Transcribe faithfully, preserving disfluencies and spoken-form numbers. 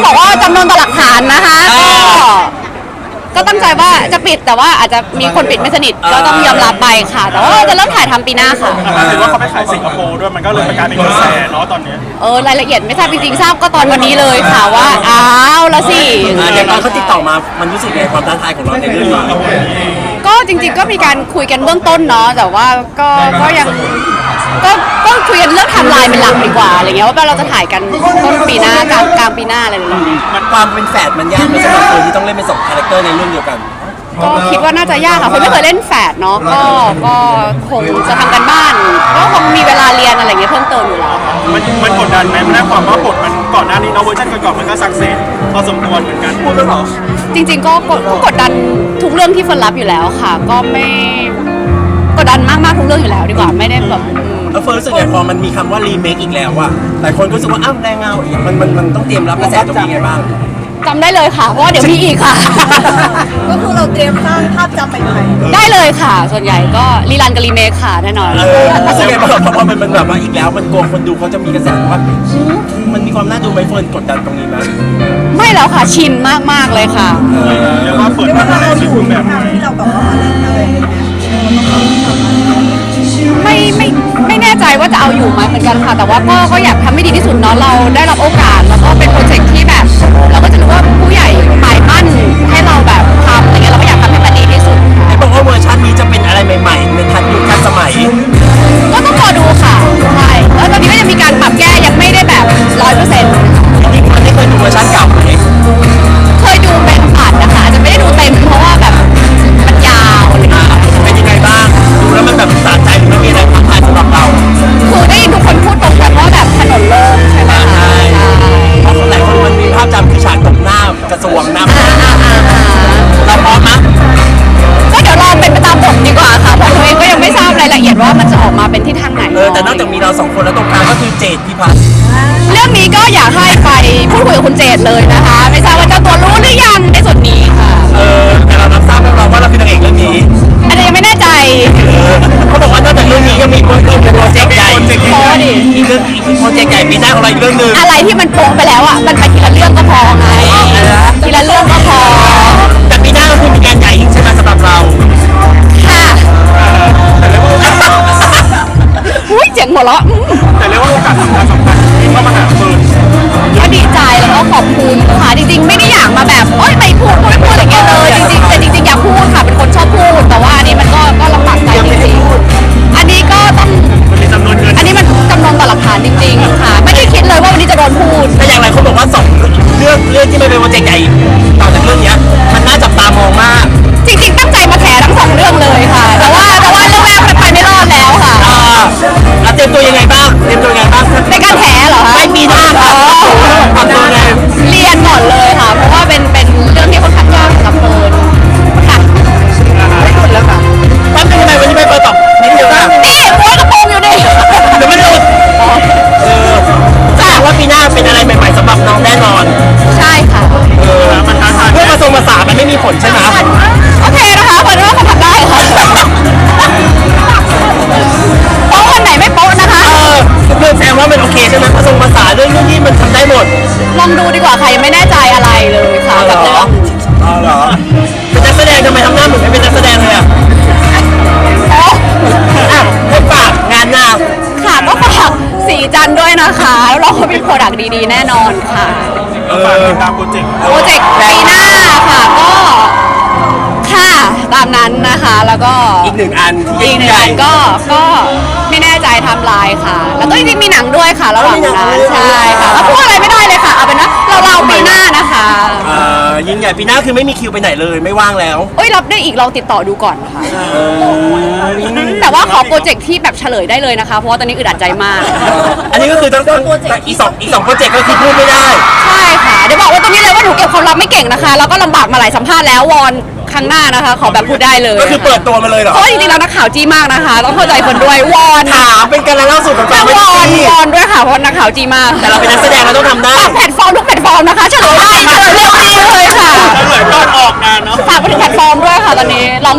บอกว่าจำนวนต่อหลักฐานนะคะก็ก็ตั้งใจว่าจะปิดแต่ว่าอาจจะมีคนปิดไม่สนิทก็ต้องยอมรับไปค่ะ แต่ว่าจะเริ่มถ่ายทำปีหน้าค่ะแต่ถือว่าเขาไปขายสิงคโปร์ด้วยมันก็เลยเป็นการเป็นกระแสเนาะตอนนี้เออรายละเอียดไม่ทราบจริงๆทราบก็ตอนวันนี้เลยค่ะว่าอ้าวละสิอย่างตอนเขาติดต่อมามันรู้สึกไงความท้าทายของเราในเรื่องนี้ก็จริงๆก็มีการคุยกันเบื้องต้นเนาะแต่ว่าก็ก็ยังก็ก็คุยกันเรื่องไทม์ไลน์เป็นหลักดีกว่าอะไรเงี้ยว่าเราจะถ่ายกันต้นปีหน้ากลางกลางปีหน้าอะไรแบบนี้มันความเป็นแฝดมันยากไหมสำหรับคนที่ต้องเล่นเป็นสองคาแรคเตอร์ในเรื่องเดียวกันก็คิดว่าน่าจะยากค่ะคนไม่เคยเล่นแฝดเนาะก็ก็คงจะทำกันบ้านก็คงมีเวลาเรียนอะไรเงี้ยเพิ่มเติมอยู่แล้วค่ะมันมันกดดันไหมมันได้ความว่าบทมันก่อนหน้านี้เนาะเวอร์ชันก่อนๆมันก็สักเซสพอสมควรเหมือนกันพูดแล้วหรอจริงๆก็กดก็กดดันทุกเรื่องที่เฟิร์นรับอยู่แล้วค่ะ ก็ไม่กดดันมากๆทุกเรื่องอยู่แล้วดีกว่าไม่ได้แบบอืมแล้วเฟิร์สรู้สึกไงพอมันมีคำว่ารีเมคอีกแล้วอะหลายคนก็รู้สึกว่าอ้าวแรงเงาอีกมันมันมันต้องเตรียมรับกระแสตรงนี้ไงบ้างจำได้เลยค่ะเพราะว่าเดี๋ยวมีอีกค่ะก็คือเราเตรียมสร้างภาพจำใหม่ๆได้เลยค่ะ ส่วนใหญ่ก็รีรันกับรีเมคค่ะแน่นอนเออรู้สึกไงบ้างพอมันมันแบบว่าอีกแล้วมันกลัวคนดูเขาจะมีกระแสว่ามันมีความน่าดูไหมเฟิร์นกดดันตรงนี้ไหมไม่แล้วค่ะชินมากๆเลยค่ะเรียกว่าเปิดมาในชีวิตแบบที่เราแบบว่ามาเล่นอะไรอย่างเงี้ยไม่ไม่ไม่แน่ใจว่าจะเอาอยู่ไหมเหมือนกันค่ะ แต่ว่าก็ก็อยากทำให้ดีที่สุดเนาะเราได้รับโอกาสแล้วก็เป็นโปรเจกต์ที่แบบ เราก็จะรู้ว่าผู้ใหญ่หมายมั่นให้เราแบบทำอะไรเงี้ยเราก็อยากทำให้มันดีที่สุดค่ะไอ้บอกว่าเวอร์ชันนี้จะเป็นอะไรใหม่ๆในทันยุคทันสมัยก็ต้องรอดูค่ะใช่แล้วตอนนี้ก็จะมีการปรับแก้ยังไม่ได้แบบร้อยเปอร์เซ็นต์จริงๆมันได้เคยดูเวอร์ชันเก่าไหมเคยดูเป็นผ่านนะคะอาจจะไม่ได้ดูเต็มเพราะว่าแบบมันยาวอะไรเงี้ยเป็นยังไงบ้างดูแล้วมันแบบสะใจหรือมันมีอะไรท้าทายสำหรับเราคือได้ยินทุกคนพูดตรงกันว่าแบบถนนโล่งใช่ไหมคะเพราะหลายคนมันมีภาพจำคือฉากตบหน้ากระทรวงหน้าเราพร้อมไหมก็เดี๋ยวรอเป็นไปตามบทดีกว่าค่ะเพราะตัวเองก็ยังไม่ทราบรายละเอียดว่ามันจะออกมาเป็นที่ทางไหนเออแต่นอกจากมีเราสองคนแล้วตรงกลางก็คือเจดพิพัฒน์เรื่องนี้ก็อยากให้ไปพูดคุยกับคุณเจตเลยนะคะ ไม่ทราบว่าเจ้าตัวรู้หรือยังในส่วนนี้ค่ะเออแต่เรารับทราบแล้วเราว่าเราคือนางเอกเรื่องนี้อันนี้ยังไม่แน่ใจเขาบอกว่านอกจากเรื่องนี้ยังมีโปรเจกต์โปรเจกต์ใหญ่พอดิอีกเรื่องอีกโปรเจกต์ใหญ่ปีหน้าของเราอีกเรื่องหนึ่งอะไรที่มันโปะไปแล้วอ่ะมันไปทีละเรื่องก็พอไงทีละเรื่องก็พอแต่ปีหน้าก็คือมีงานใหญ่อีกใช่ไหมสำหรับเราค่ะอุ้ยเจ๋งหัวเราะอืมแต่เรียกว่าโอกาสสำคัญสำคัญที่เข้ามาหาเฟิร์นก็ดีใจแล้วก็ขอบคุณค่ะจริงๆ ไม่ได้อยากมาแบบโอ๊ยไม่พูดไม่พูดอะไรเงี้ยเลยจริงๆแต่จริงๆอยากพูดค่ะเป็นคนชอบพูดแต่ว่าอันนี้มันก็ก็ลำบากใจจริงๆอันนี้ก็ต้องมันมีจำนวนเงินอันนี้มันจำนวนต่อหลักฐานจริงๆค่ะ ไม่ได้คิดเลยว่าวันนี้จะโดนพูดแต่อย่างไรเขาบอกว่าสองเรื่องเรื่องที่ไม่เป็นโปรเจกต์ใหญ่ต่อจากเรื่องเนี้ยมันน่าจับตามองมากจริงๆตั้งใจมาแถทั้งสองเรื่องเลยค่ะ แต่ว่าแต่ว่าเรื่องแรกมันไปไม่รอดแล้วค่ะอ่าแล้วเตรียมตัวยังไงบ้างเตรียมตัวยังไงบ้างในการแถเหรอคะไม่ปีหน้าครับทำตัวไงเรียนก่อนเลยค่ะ เพราะว่าเป็นเป็นเรื่องที่ค่อนข้างยากสำหรับเฟิร์นค่ะไม่หลุดแล้วค่ะแป๊บนึงทำไมวันนี้ไม่เปิดตอบนิดเดียวนะนี่โวยกระโปรงอยู่นี่เดี๋ยวไม่หลุดเออแสดงว่าปีหน้าเป็นอะไรใหม่ๆสำหรับน้องแน่นอนใช่ค่ะเออมันท้าทายเรื่องผสมผสานมันไม่มีผลใช่ไหมโอเคนะคะเฟิร์นว่าเขาทำได้ค่ะโป๊ะวันไหนไม่โป๊ะนะคะเออเรื่องแสดงว่ามันโอเคใช่ไหมผสมผสานเรื่องนี้มันทำได้หมดลองดูดีกว่าค่ะยังไม่แน่ใจอะไรเลยค่ะเหรกับอเรื่องอ๋อเหรอเป็นนักแสดงทำไมทำหน้าเหมือนไม่เป็นนักแสดงเลยอ่ะโป๊ะอ่ะให้ฝากงานหน้าค่ะก็ฝากสีจันทร์ด้วยนะคะแล้วเราก็มีโปรดักต์ดีๆแน่นอนค่ะฝากติดตามโปรเจกต์โปรเจกต์ปีหน้าค่ะก็ค่ะตามนั้นนะคะ แล้วก็อีกหนึ่งอันที่อีกหนึ่งใหญ่อันก็ก็ไม่แน่ใจไทำลายค่ะ แล้วก็จริงๆมีหนังด้วยค่ะระหว่างนั้นใช่ค่ะก็พูดอะไรไม่ได้เลยค่ะเอาเป็นว่าเราเราปีหน้านะคะเอ่อยิ่งใหญ่ปีหน้าคือไม่มีคิวไปไหนเลยไม่ว่างแล้วเอ้ยรับได้อีกเราติดต่อดูก่อนค่ะ แต่ว่าขอโปรเจกต์ที่แบบเฉลยได้เลยนะคะ เพราะว่าตอนนี้อึดอัดใจมากอันนี้ก็คือต้องต้องอีกสองอีกสองโปรเจกต์ก็คือพูดไม่ได้ใช่ค่ะเดี๋ยวบอกว่าตรงนี้เลยว่าหนูเก็บความลับไม่เก่งนะคะ แล้วก็ลำบากมาหลายสัมภาษณ์แล้ววอนครั้งหน้านะคะ ขอแบบพูดได้เลยก็คือเปิดตัวมาเลยเหรอเพราะจริงๆแล้วนักข่าวจี้มากนะคะ ต้องเข้าใจคนด้วยวอนถามเป็นการเล่าสู่กันฟังไม่วได้อนที่วอนด้วยค่ะเพราะนักข่าวจี้มากแต่เราเป็นนักแสดงเราต้องทำได้ฝากแพลตฟอร์มทุกแพลตฟอร์มนะคะเฉลยได้เฉลยเร็วดีเลยค่ะแล้วเหมือนก่อนออกงานเนาะฝากไปถึงแพลตฟอร์มด้วยค่ะตอนนี้ลอง